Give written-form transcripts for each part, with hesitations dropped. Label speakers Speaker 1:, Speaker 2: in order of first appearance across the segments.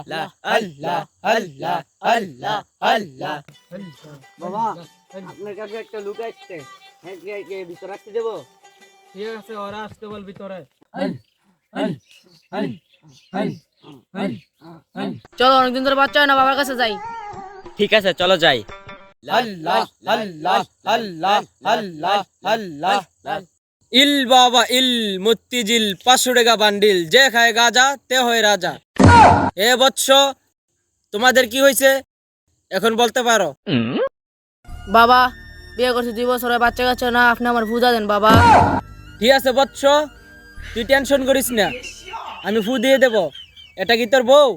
Speaker 1: আল্লাহ আল্লাহ আল্লাহ আল্লাহ আল্লাহ।
Speaker 2: বাবা আপনার কাছে একটা লোক আসছে, হ্যাঁ কে ভিতর রাখতে দেবো?
Speaker 1: ঠিক আছে, ওরা আসতে বল ভিতরে।
Speaker 3: চলো, অনেকদিন ধরে বাচ্চা হয় না, বাবার কাছে যাই।
Speaker 2: ঠিক আছে চলো যাই।
Speaker 1: আল্লাহ আল্লাহ আল্লাহ আল্লাহ আল্লাহ।
Speaker 4: ইল বাবা ইল মতিঝিল 500 টাকা বান্ডিল, যে খায় গাজা তে হয় রাজা। এ বৎস, তোমাদের কি হয়েছে এখন বলতে পারো?
Speaker 3: বাবা, বিয়ে করছি 2 বছর হয়, বাচ্চা কাচ্চা না, আপনি আমার বুঝা দেন বাবা।
Speaker 4: ঠিক আছে বৎস, তুই টেনশন করিস না, আমি ফু দিয়ে দেব। এটা কি তোর বউ?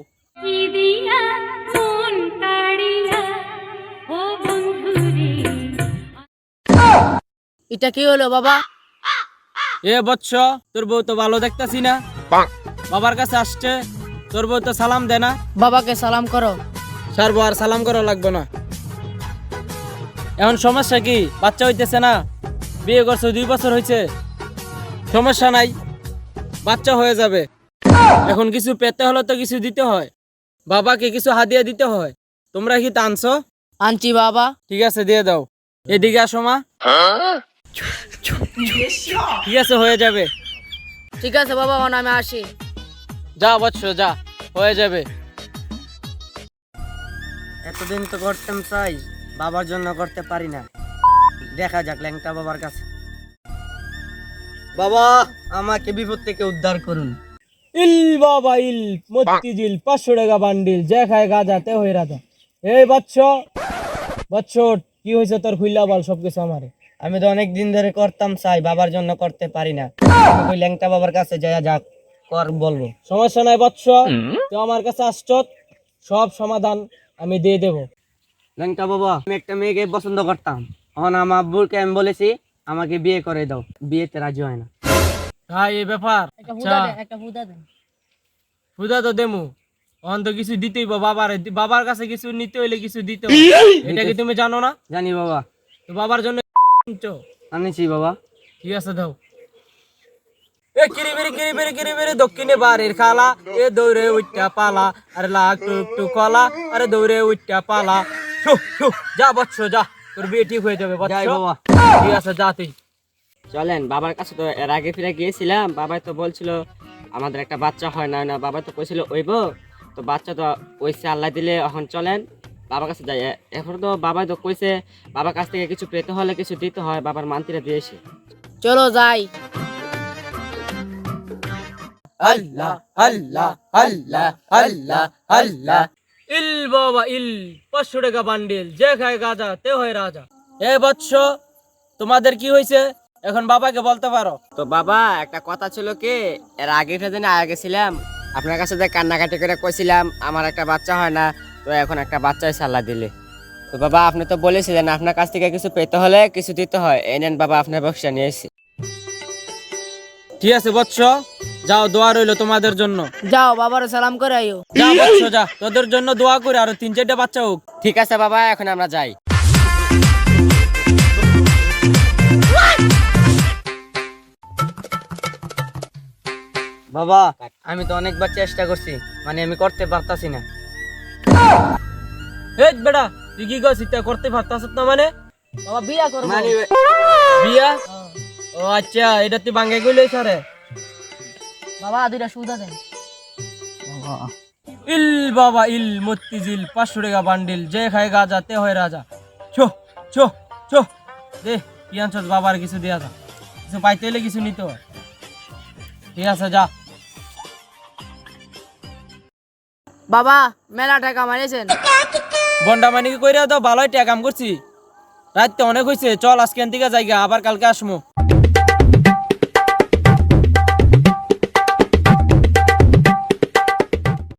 Speaker 3: এটা কি হলো বাবা?
Speaker 4: এ বৎস, তোর বউ তো ভালো দেখতাছি না, বাবার কাছে আসছে, তোর বউ তো সালাম দে না।
Speaker 3: বাবাকে সালাম করো।
Speaker 4: সারবো, আর সালাম করা লাগবে না। এখন সমস্যা কি? বাচ্চা হইতেছে না, বিয়ে করছো 2 বছর হয়েছে, সমস্যা নাই, বাচ্চা হয়ে যাবে। এখন কিছু পেতে হলে তো কিছু দিতে হয়, বাবাকে কিছু হাদিয়া দিতে হয়। তোমরা কি তা আনছো?
Speaker 3: আনছি বাবা।
Speaker 4: ঠিক আছে, দিয়ে দাও। এদিকে আসো মা। ঠিক আছে, হয়ে যাবে।
Speaker 3: ঠিক আছে বাবা, এখন আমি আসি।
Speaker 4: যা বৎস যা, হয়ে যাবে।
Speaker 2: এতদিন তো করতাম চাই, বাবার জন্য করতে পারি না। দেখা যাক ল্যাংটা বাবার কাছে। বাবা, আমাকে বিপদ থেকে উদ্ধার করুন।
Speaker 4: ইল বাবা ইল মতিঝিল 500 টাকা বান্ডিল, যে খায় গাজা তে হয় রাজা। এই বৎস, বৎস কি হয়েছে তোর? খুইলা বল সবকিছু আমারে।
Speaker 2: আমি তো অনেক দিন ধরে করতাম চাই, বাবার জন্য করতে পারি না। ওই ল্যাংটা বাবার কাছে যাই, যাক কর বলবো।
Speaker 4: সমস্যা নাই বৎস, তুই আমার কাছে আসছত, সব সমাধান আমি দিয়ে দেব।
Speaker 2: ল্যাংটা বাবা, আমি একটা মেয়েকে পছন্দ করতাম, এখন আমার আব্বুকে আমি বলেছি আমাকে বিয়ে করে দাও, বিয়েতে রাজি হয় না।
Speaker 4: হ্যাঁ, এই ব্যাপার।
Speaker 3: একটা
Speaker 4: আচ্ছা,
Speaker 3: ফুদা দেন।
Speaker 4: বুঝা তো দেমু, অন তো কিছু দিতেই বাবার, বাবার কাছে কিছু নিতে হইলে কিছু দিতে হয়। এটা কি তুমি জানো না?
Speaker 2: জানি বাবা।
Speaker 4: তো বাবার জন্য আনছো?
Speaker 2: আনিছি বাবা।
Speaker 4: ঠিক আছে, দাও। এ কিরিবিরি কিরিবিরি কিরিবিরি দক্ষিণে বাড়ির খালা, এ দৌড়ে উঠটা পালা, আরে লাগ টুক টুক কলা, আরে দৌড়ে উঠটা পালা। শু শু, যা বৎস যা, তোর বিয়ে ঠিক হয়ে যাবে বৎস।
Speaker 2: যাই বাবা।
Speaker 4: ঠিক আছে, যা তুই।
Speaker 2: চলেন, বাবার কাছে তো এর আগে ফিরে গিয়েছিলাম, বাবা তো বলছিল আমাদের একটা বাচ্চা হয় না, না বাবা তো কইছিল ওইব, তো বাচ্চা তো ওইসে আল্লাহ দিলে। এখন চলেন বাবার কাছে যাই। এখন তো বাবা তো কইছে বাবার কাছ থেকে কিছু পেতে হলে কিছু দিতে হয়, বাবার মানতিরা দিয়েছে।
Speaker 3: চলো যাই।
Speaker 1: আল্লাহ আল্লাহ আল্লাহ আল্লাহ আল্লাহ।
Speaker 4: ইল বাবা ইল 500 টাকা বান্ডিল, যে খায় গাজা তে হয় রাজা। এ বৎস, তোমাদের কি হয়েছে এখন বাবাকে বলতে পারো?
Speaker 2: তো বাবা, একটা কথা ছিল কি, এর আগে যেদিন আগে গেছিলাম আপনার কাছে যে কান্নাকাটি করে কইছিলাম আমার একটা বাচ্চা হয় না, তো এখন একটা বাচ্চা হয়েছে আল্লাহ দিলে। তো বাবা, আপনি তো বলেছিলেন আপনার কাছ থেকে কিছু পেতে হলে কিছু দিতে হয়, এই নেন বাবা আপনার বক্সটা নিয়ে এসেছি।
Speaker 4: ঠিক আছে বৎস, যাও, দোয়া রইলো তোমাদের জন্য।
Speaker 3: যাও, বাবারে সালাম করে আইও।
Speaker 4: যা বৎস যা, তোদের জন্য দোয়া করে আরো 3-4টা বাচ্চা হোক।
Speaker 2: ঠিক আছে বাবা, এখন আমরা যাই। বাবা, আমি তো অনেকবার চেষ্টা করছি, মানে আমি করতে পারতাছি না।
Speaker 4: এই বেটা, তুই কি করছিস? তা করতে পারতাস না মানে?
Speaker 3: বাবা বিয়া করবো।
Speaker 2: মানে
Speaker 4: বিয়া? ও আচ্ছা, এটা তুই বাঙ্গাই কইলে স্যারে।
Speaker 3: বাবা 2টা সুদা দেন।
Speaker 4: ইল বাবা ইল মতিঝিল 500 টাকা বান্ডিল, যে খায় গাজা তে হয় রাজা। ছো ছো ছো, দে কি আনছস? বাবার কিছু দিয়া যা, কিছু পাইতে হলে কিছু নিতে হয়। ঠিক আছে, যা।
Speaker 3: বাবা, মেলা টাকা মারিয়েছেন।
Speaker 4: বন্ডা মানি কইরা তো ভালোই টাকা কাম করছি, রাত তো অনেক হয়েছে, চল আজকে থেকে যাইগা, আবার কালকে আসমু।